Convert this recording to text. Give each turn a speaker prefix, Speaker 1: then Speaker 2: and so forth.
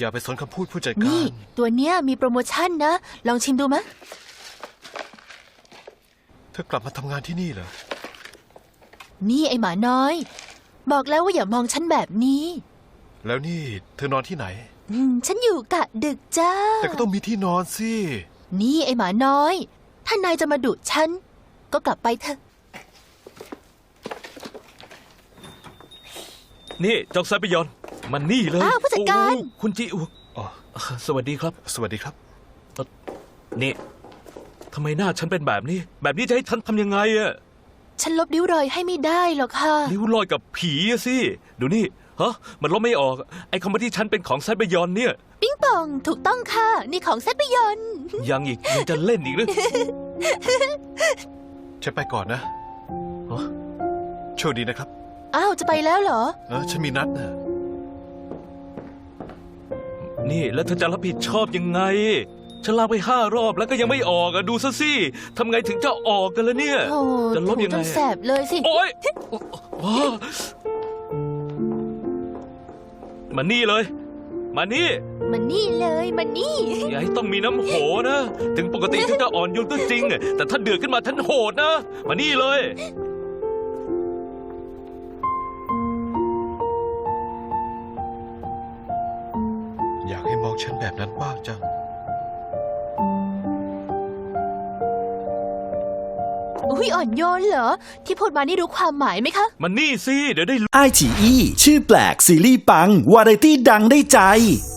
Speaker 1: อย่าไปสนคำพูดผู้จัดกา
Speaker 2: นี่
Speaker 1: ร
Speaker 2: ตัวเนี้ยมีโปรโมชั่นนะ ลองชิมดูมะ
Speaker 1: เธอกลับมาทำงานที่นี่เหรอ
Speaker 2: นี่ไอหมาน้อย บอกแล้วว่าอย่ามองฉันแบบนี้
Speaker 1: แล้วนี่เธอนอนที่ไหน
Speaker 2: ฉันอยู่กะดึกจ้า
Speaker 1: แต่ก็ต้องมีที่นอนสิ
Speaker 2: นี่ไอหมาน้อย ถ้านายจะมาดุฉัน ก็กลับไปเถอะ
Speaker 3: นี่จองไซไปยอนมันนี่เลย
Speaker 2: อ้าวผู้จัดการ
Speaker 3: โอ้คุณจิอุ
Speaker 1: อ๋อ
Speaker 3: สวัสดีครับ
Speaker 1: สวัสดีครับ
Speaker 3: นี่ทำไมหน้าฉันเป็นแบบนี้ แบบนี้จะให้ฉันทำยังไงอะ
Speaker 2: ฉันลบริ้วรอยให้ไม่ได้หรอกค่ะ
Speaker 3: ริ้วรอยกับผีอะสิดูนี่ฮะมันลบไม่ออกไอ้คำว่าที่ฉันเป็นของไซไปยอนเนี่ย
Speaker 2: ปิ้งปองถูกต้องค่ะ นี่ของเซตปยนต์
Speaker 3: ยังจะเล่นอีกหรือ
Speaker 1: ฉันไปก่อนนะ
Speaker 3: ฮะ
Speaker 1: โชคดีนะครับ
Speaker 2: อ้าว จะไปแล้วเหรอ
Speaker 1: ฉันมีนัดนะ
Speaker 3: นี่แล้วเธอจะรับผิดชอบยังไง ฉันลากไป5 รอบแล้วก็ยังไม่ออกอะดูซะสิทำไงถึงจะออกกันล่ะเนี่ย
Speaker 2: โอ้
Speaker 3: จะลบ
Speaker 2: ถู
Speaker 3: ยัง
Speaker 2: จ
Speaker 3: ไง
Speaker 2: นแสบเลยสิ
Speaker 3: โอ๊ยว้ามานี่เลย มานี่
Speaker 2: มันนี่เลยมันนี่
Speaker 3: อย่าให้ต้องมีน้ำโหนะ ถึงปกติฉันจะอ่อนโยนก็จริง แต่ถ้าเดือดขึ้นมาฉันโหดนะ มานี่เลย
Speaker 1: อยากให้มองฉันแบบนั้นบ้างจัง
Speaker 2: อุ้ยอ่อนโยนเหรอ ที่พูดมานี่รู้ความหมายไหมคะ
Speaker 3: มานี่สิ เดี๋ยวได้
Speaker 4: ไอฉีอีชื่อแปลกซีรีส์ปัง วาไรตี้ดังได้ใจ